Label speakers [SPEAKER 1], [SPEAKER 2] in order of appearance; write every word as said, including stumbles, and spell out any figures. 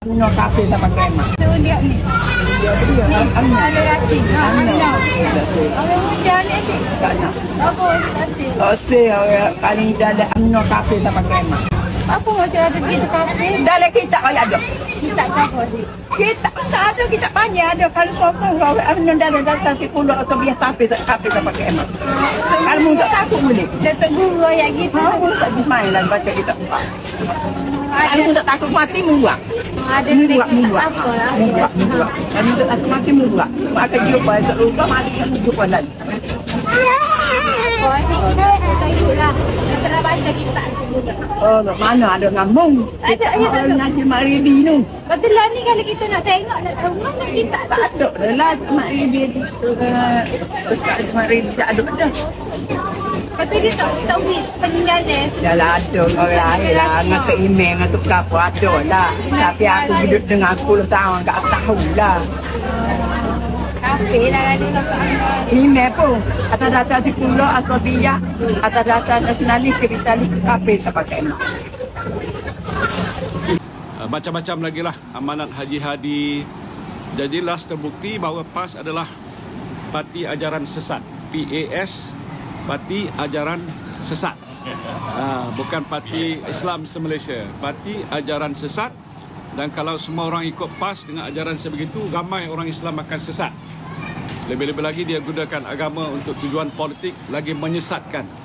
[SPEAKER 1] Minum kafe tak pakai mak.
[SPEAKER 2] Tu dia ni.
[SPEAKER 1] Dia dia amna.
[SPEAKER 2] Ada rati.
[SPEAKER 1] Amna.
[SPEAKER 2] Orang muda ni asyik.
[SPEAKER 1] Tak nak.
[SPEAKER 2] Apa rati?
[SPEAKER 1] Oh, saya orang paling dalam amna kafe tak pakai mak.
[SPEAKER 2] Apa macam ada pergi kafe?
[SPEAKER 1] Dalam kita kaya ada.
[SPEAKER 2] Kita kafe sih.
[SPEAKER 1] Kita besar ada, kita banyak ada. Kalau sokong kau amna dalam dalam sepuluh atau biar kafe tak kafe tak pakai mak. Kalau muda takut boleh.
[SPEAKER 2] Datuk guru yang gitu.
[SPEAKER 1] Ha, tak main lah baca kita. Kalau
[SPEAKER 2] Ada
[SPEAKER 1] muda takut mati muak.
[SPEAKER 2] ada
[SPEAKER 1] Muak
[SPEAKER 2] dekat
[SPEAKER 1] muak.
[SPEAKER 2] apa lah.
[SPEAKER 1] Muak muak. Kalau muda takut mati muak. Mak akan jumpa esok lupa mati kan jumpa lagi.
[SPEAKER 2] Oh, asyik kita kita ikut lah. Kita nak baca kita juga.
[SPEAKER 1] Oh, mana ada ngambung.
[SPEAKER 2] Ada, ya, tak ada.
[SPEAKER 1] Nanti Mak Ribi tu.
[SPEAKER 2] Betul lah ni kalau kita nak tengok nak tahu mana kita
[SPEAKER 1] Tak ada dah lah Mak Ribi tu. Dekat Mak Ribi tak ada dah.
[SPEAKER 2] Lepas dia tak tahu ni peninggalan.
[SPEAKER 1] Dah lah ada orang lain lah. Dengan ke email dengan tukar pun ada lah. Tapi aku hidup dengan sepuluh tahun tak tahu lah.
[SPEAKER 2] Kafe lah ada kakak anda.
[SPEAKER 1] Email pun. Atas dasar sekolah atau biak. Atas dasar nasionalis kapitalis kafe tak pakai mak.
[SPEAKER 3] Uh, Macam-macam lagi lah amanat Haji Hadi. Jadi last terbukti bahawa P A S adalah parti ajaran sesat. P A S, Parti Ajaran Sesat. Uh, bukan Parti Islam se-Malaysia. Parti Ajaran Sesat. Dan kalau semua orang ikut P A S dengan ajaran sebegitu, ramai orang Islam akan sesat. Lebih-lebih lagi dia gunakan agama untuk tujuan politik, lagi menyesatkan